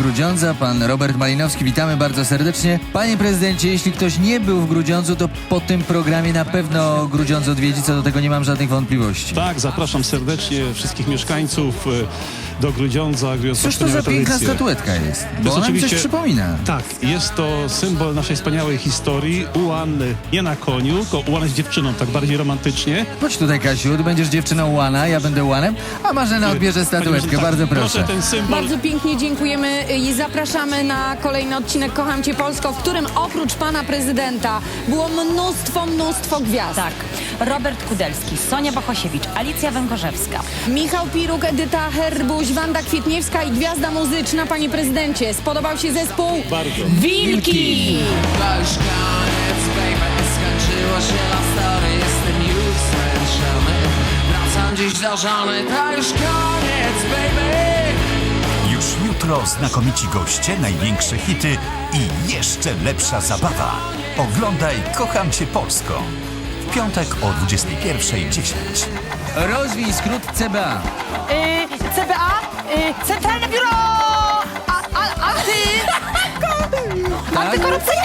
Grudziądza, pan Robert Malinowski. Witamy bardzo serdecznie. Panie prezydencie, jeśli ktoś nie był w Grudziądzu, to po tym programie na pewno Grudziądz odwiedzi, co do tego nie mam żadnych wątpliwości. Tak, zapraszam serdecznie wszystkich mieszkańców do Grudziądza. Cóż to za piękna statuetka jest? Bo ona mi coś przypomina. Tak, jest to symbol naszej wspaniałej historii. Ułan nie na koniu, tylko Ułan jest dziewczyną, tak bardziej romantycznie. Chodź tutaj, Kasiu, ty będziesz dziewczyną Ułana, ja będę Ułanem, a Marzena odbierze statuetkę, Tak, bardzo proszę. Ten symbol. Bardzo pięknie dziękujemy i zapraszamy na kolejny odcinek Kocham Cię Polsko, w którym oprócz pana prezydenta było mnóstwo gwiazd. Tak. Robert Kudelski, Sonia Bohosiewicz, Alicja Węgorzewska. Michał Piruk, Edyta Herbuś, Wanda Kwietniewska i gwiazda muzyczna, panie prezydencie. Spodobał się zespół? Bardzo. Wilki! To już koniec, baby, skończyło się na story, jestem już zmęczony. Wracam dziś do żony, to już koniec, baby. Już jutro znakomici goście, największe hity i jeszcze lepsza zabawa. Oglądaj Kocham Cię Polsko. W piątek o 21:10. Rozwij skrót CBA. CBA, Centralne Biuro Antykorupcyjne!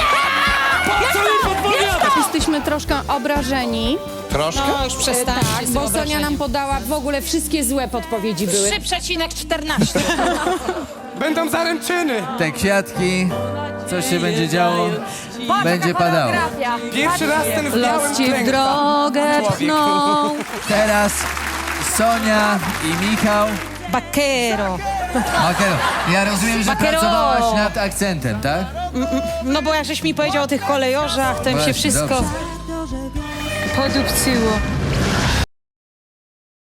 Jesteśmy troszkę obrażeni. Troszkę? No już przestań. Tak, bo Sonia nam podała w ogóle wszystkie złe podpowiedzi były. 3,14. Będą zaręczyny! Te kwiatki, coś się będzie działo, będzie padało. Pierwszy raz ten w białym Los ci w klęka. drogę Człowiek. pchną. Teraz Sonia i Michał. Bakero. Makero, ja rozumiem, że Makero. pracowałaś nad akcentem, tak? No bo jak żeś mi powiedział o tych kolejorzach, to im Właśnie, się wszystko dobrze. podupcyło.